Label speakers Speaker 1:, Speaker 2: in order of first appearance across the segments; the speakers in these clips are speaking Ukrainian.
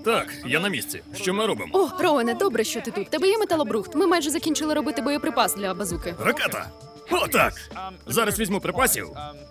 Speaker 1: Так, я на місці. Що ми робимо?
Speaker 2: О, Роуене, добре, що ти тут. Тебе є металобрухт. Ми майже закінчили робити боєприпас для базуки.
Speaker 1: Ракета! О, так! Зараз візьму припасів.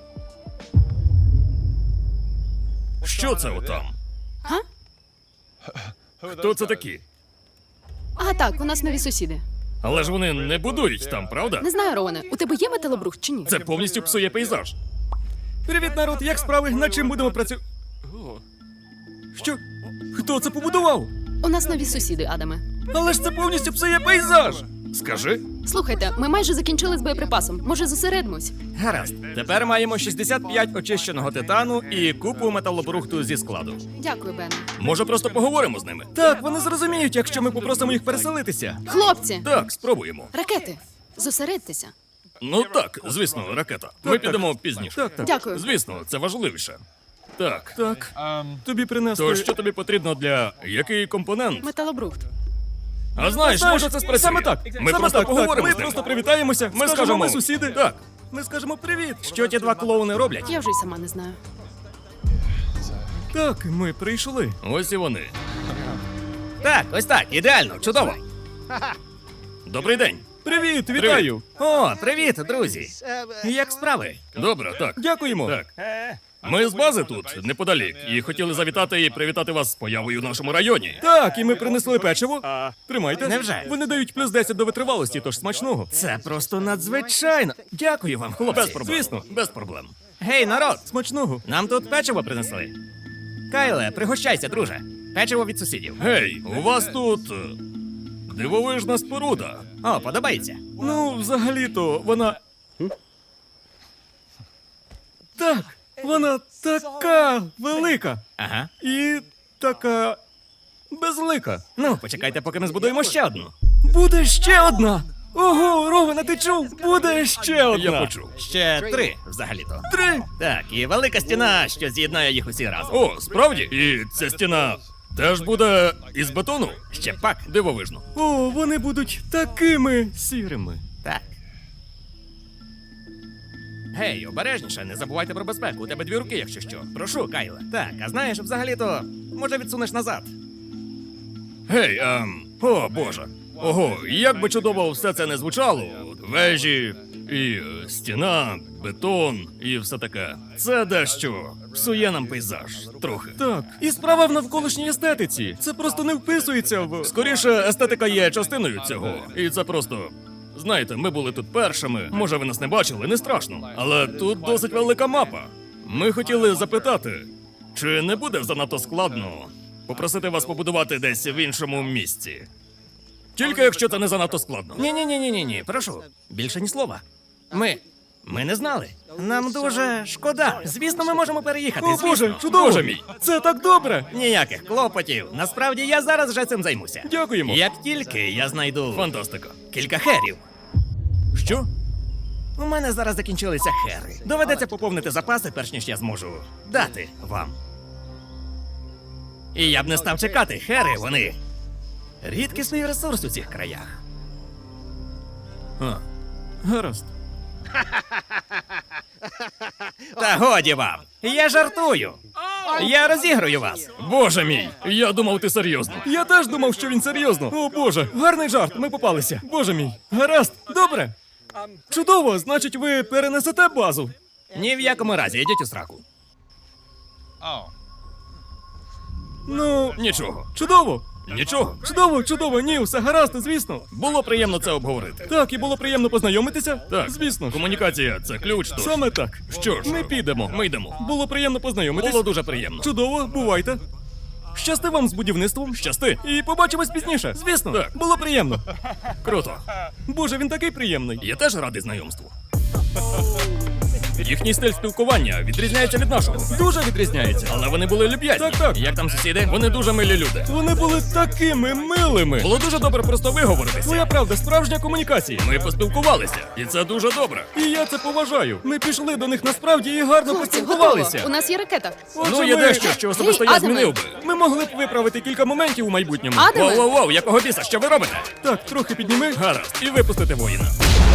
Speaker 1: Що це отам?
Speaker 2: Га?
Speaker 1: Хто це такі?
Speaker 2: А, так, у нас нові сусіди.
Speaker 1: Але ж вони не будують там, правда?
Speaker 2: Не знаю, Роуене, у тебе є металобрухт чи ні?
Speaker 1: Це повністю псує пейзаж.
Speaker 3: Привіт, народ, як справи? Над чим будемо працювати? Що? Хто це побудував?
Speaker 2: У нас нові сусіди, Адаме.
Speaker 3: Але ж це повністю псує пейзаж!
Speaker 1: Скажи.
Speaker 2: Слухайте, ми майже закінчили з боєприпасом. Може, зосередимось?
Speaker 3: Гаразд. Тепер маємо 65 очищеного титану і купу металобрухту зі складу.
Speaker 2: Дякую, Бене.
Speaker 1: Може, просто поговоримо з ними?
Speaker 3: Так, вони зрозуміють, якщо ми попросимо їх переселитися.
Speaker 2: Хлопці!
Speaker 1: Так, спробуємо.
Speaker 2: Ракети! Зосередьтеся.
Speaker 1: Ну так, звісно, ракета. Ми підемо пізніше.
Speaker 3: Так, так.
Speaker 2: Дякую.
Speaker 1: Звісно, це важливіше. Так.
Speaker 3: Так. Тобі принесли...
Speaker 1: То що тобі потрібно для який компонент?
Speaker 2: Металобрухт.
Speaker 1: А знаєш, може це спрацює.
Speaker 3: Саме так.
Speaker 1: Ми
Speaker 3: Саме
Speaker 1: просто
Speaker 3: так,
Speaker 1: поговоримо
Speaker 3: так.
Speaker 1: з
Speaker 3: Ми
Speaker 1: ним.
Speaker 3: просто привітаємося.
Speaker 1: Ми скажемо
Speaker 3: ми сусіди.
Speaker 1: Так.
Speaker 3: Ми скажемо привіт. Що ті два клоуни роблять?
Speaker 2: Я вже й сама не знаю.
Speaker 3: Так, ми прийшли.
Speaker 1: Ось і вони.
Speaker 3: Так, ось так, ідеально, чудово.
Speaker 1: Добрий день.
Speaker 3: Привіт, вітаю. О, привіт, друзі. Як справи?
Speaker 1: Добре, так.
Speaker 3: Дякуємо.
Speaker 1: Так. Ми з бази тут, неподалік, і хотіли завітати і привітати вас з появою в нашому районі.
Speaker 3: Так, і ми принесли печиво. Тримайте.
Speaker 4: Невже?
Speaker 3: Вони дають плюс 10 до витривалості, тож смачного.
Speaker 4: Це просто надзвичайно. Дякую вам, хлопці.
Speaker 1: Без проблем.
Speaker 3: Звісно.
Speaker 1: Без проблем.
Speaker 4: Гей, народ!
Speaker 3: Смачного.
Speaker 4: Нам тут печиво принесли. Кайле, пригощайся, друже. Печиво від сусідів.
Speaker 1: Гей, у вас тут дивовижна споруда.
Speaker 4: О, подобається.
Speaker 3: Ну, взагалі-то, вона. Так, вона така велика.
Speaker 4: Ага.
Speaker 3: І така безлика.
Speaker 4: Ну, почекайте, поки ми збудуємо ще одну.
Speaker 3: Буде ще одна! Ого, Ровена, ти чув? Буде ще одна!
Speaker 1: Я почув.
Speaker 4: Ще 3, взагалі-то.
Speaker 3: 3!
Speaker 4: Так, і велика стіна, що з'єднає їх усі разом.
Speaker 1: О, справді? І ця стіна теж буде із бетону?
Speaker 4: Ще пак.
Speaker 1: Дивовижно.
Speaker 3: О, вони будуть такими сірими.
Speaker 4: Так. Гей, обережніше, не забувайте про безпеку. У тебе 2 руки, якщо що. Прошу, Кайле. Так, а знаєш, взагалі-то, може відсунеш назад.
Speaker 1: Гей, о боже. Ого, як би чудово все це не звучало. Вежі, і стіна, бетон, і все таке. Це дещо псує нам пейзаж. Трохи.
Speaker 3: Так, і справа в навколишній естетиці. Це просто не вписується в.
Speaker 1: Скоріше, естетика є частиною цього. І це просто. Знаєте, ми були тут першими. Може, ви нас не бачили, не страшно. Але тут досить велика мапа. Ми хотіли запитати, чи не буде занадто складно попросити вас побудувати десь в іншому місці. Тільки якщо це не занадто складно.
Speaker 4: Ні, прошу. Більше ні слова. Ми не знали. Нам дуже шкода. Звісно, ми можемо переїхати.
Speaker 3: О,
Speaker 4: звісно.
Speaker 3: Боже, чудово!
Speaker 1: Боже мій.
Speaker 3: Це так добре!
Speaker 4: Ніяких клопотів. Насправді я зараз вже цим займуся.
Speaker 3: Дякуємо.
Speaker 4: Як тільки я знайду
Speaker 1: Фантастика.
Speaker 4: кілька херів.
Speaker 1: Що?
Speaker 4: У мене зараз закінчилися хери. Доведеться поповнити запаси, перш ніж я зможу дати вам. І я б не став чекати, хери, вони рідкісний ресурс у цих краях.
Speaker 3: Гаразд.
Speaker 4: Та годі вам! Я жартую! Я розіграю вас!
Speaker 1: Боже мій! Я думав, ти серйозно.
Speaker 3: Я теж думав, що він серйозно. О, Боже, гарний жарт, ми попалися. Боже мій. Гаразд, добре. Чудово, значить, ви перенесете базу.
Speaker 4: Ні в якому разі, йдіть у сраку.
Speaker 3: Ну,
Speaker 1: Нічого.
Speaker 3: чудово.
Speaker 1: Нічого.
Speaker 3: Чудово, чудово, ні, все гаразд, звісно.
Speaker 1: Було приємно це обговорити.
Speaker 3: Так, і було приємно познайомитися.
Speaker 1: Так,
Speaker 3: Звісно ж.
Speaker 1: Комунікація це ключ. Тож.
Speaker 3: Саме так.
Speaker 1: Що ж,
Speaker 3: Ми підемо.
Speaker 1: Ми йдемо.
Speaker 3: Було приємно познайомитись.
Speaker 1: Було дуже приємно.
Speaker 3: Чудово, бувайте. Щасти вам з будівництвом.
Speaker 1: Щасти.
Speaker 3: І побачимось пізніше. Звісно,
Speaker 1: Так.
Speaker 3: було приємно.
Speaker 1: Круто.
Speaker 3: Боже, він такий приємний.
Speaker 1: Я теж радий знайомству. Їхній стиль спілкування відрізняється від нашого.
Speaker 3: Дуже відрізняється.
Speaker 1: Але вони були люб'язні.
Speaker 3: Так, так.
Speaker 1: Як там сусіди? Вони дуже милі люди.
Speaker 3: Вони були такими милими.
Speaker 1: Було дуже добре просто виговоритися.
Speaker 3: Твоя правда, справжня комунікація.
Speaker 1: Ми поспілкувалися, і це дуже добре.
Speaker 3: І я це поважаю. Ми пішли до них насправді і гарно
Speaker 2: Хлопці, готово.
Speaker 3: поспілкувалися.
Speaker 2: У нас є ракета.
Speaker 3: Отже,
Speaker 1: Ну, є
Speaker 3: ми-
Speaker 1: дещо, що особисто
Speaker 2: Гей,
Speaker 1: я
Speaker 2: Адаме.
Speaker 1: змінив би.
Speaker 3: Ми могли б виправити кілька моментів у майбутньому.
Speaker 2: Адаме!
Speaker 1: Воу-воу-воу, якого біса, що ви робите?
Speaker 3: Так, трохи підніми.
Speaker 1: Гаразд, і випустити воїна.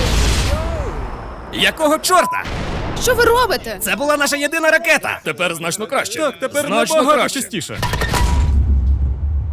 Speaker 4: Якого чорта?
Speaker 2: Що ви робите?
Speaker 4: Це була наша єдина ракета!
Speaker 1: Тепер значно краще.
Speaker 3: Так, тепер
Speaker 1: значно
Speaker 3: набагато
Speaker 1: краще.
Speaker 3: частіше.